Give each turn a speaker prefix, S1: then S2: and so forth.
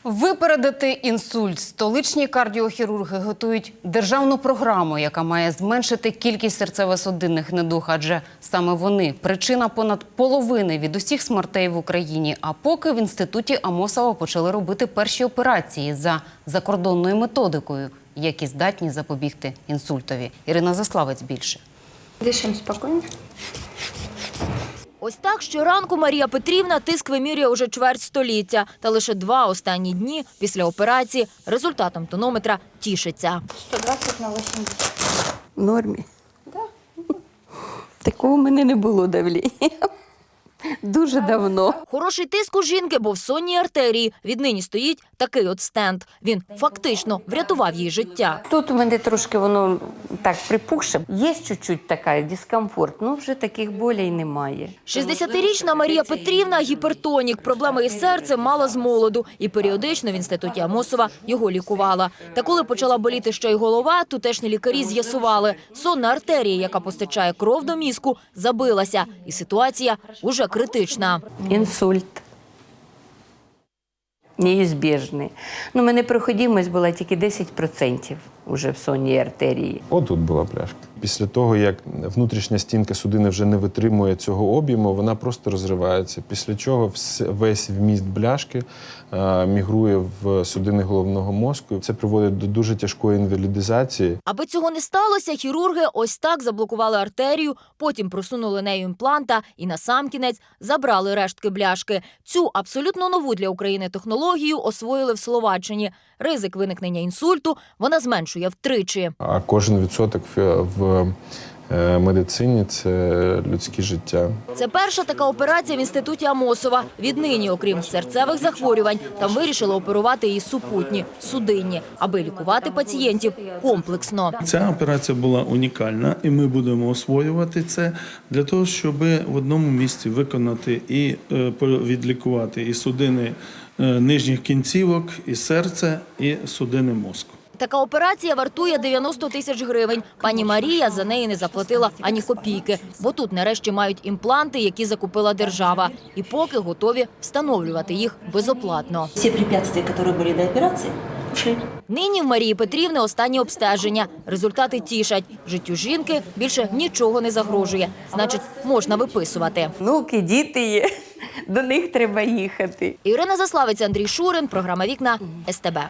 S1: Випередити інсульт. Столичні кардіохірурги готують державну програму, яка має зменшити кількість серцево-судинних недуг, адже саме вони – причина понад половини від усіх смертей в Україні. А поки в інституті Амосова почали робити перші операції за закордонною методикою, які здатні запобігти інсультові. Ірина Заславець більше.
S2: Дишимо спокійно.
S3: Ось так щоранку Марія Петрівна тиск вимірює уже чверть століття. Та лише 2 останні дні після операції результатом тонометра тішиться.
S2: 120 на 80.
S4: В нормі. Такого в мене не було давлення. Дуже давно.
S3: Хороший тиск у жінки, бо в сонній артерії віднині стоїть такий от стенд. Він фактично врятував їй життя.
S4: Тут у мене трошки воно так припухше. Є чуть-чуть така дискомфорт, але вже таких болей немає.
S3: 60-річна Марія Петрівна – гіпертонік. Проблеми із серцем мала з молоду. І періодично в інституті Амосова його лікувала. Та коли почала боліти ще й голова, тутешні лікарі з'ясували – сонна артерія, яка постачає кров до мізку, забилася. І ситуація уже критична.
S4: Інсульт. Неізбіжний. У мене проходимость була тільки 10% уже в сонній артерії.
S5: Отут була пляшка. Після того, як внутрішня стінка судини вже не витримує цього об'єму, вона просто розривається. Після чого весь вміст бляшки мігрує в судини головного мозку. Це приводить до дуже тяжкої інвалідизації.
S3: Аби цього не сталося, хірурги ось так заблокували артерію, потім просунули нею імпланта і насамкінець забрали рештки бляшки. Цю абсолютно нову для України технологію освоїли в Словаччині. Ризик виникнення інсульту вона зменшує втричі.
S5: А кожен відсоток в медицині – це людське життя.
S3: Це перша така операція в інституті Амосова. Віднині, окрім серцевих захворювань, там вирішили оперувати і супутні – судинні, аби лікувати пацієнтів комплексно.
S6: Ця операція була унікальна, і ми будемо освоювати це для того, щоб в одному місці виконати і відлікувати і судини нижніх кінцівок, і серце, і судини мозку.
S3: Така операція вартує 90 тисяч гривень. Пані Марія за неї не заплатила ані копійки, бо тут нарешті мають імпланти, які закупила держава. І поки готові встановлювати їх безоплатно.
S7: Всі препятствия, які були до операції, ушли.
S3: Нині в Марії Петрівни останні обстеження. Результати тішать. Життю жінки більше нічого не загрожує. Значить, можна виписувати.
S4: Внуки, діти є. До них треба їхати.
S3: Ірина Заславець, Андрій Шурин. Програма «Вікна» СТБ.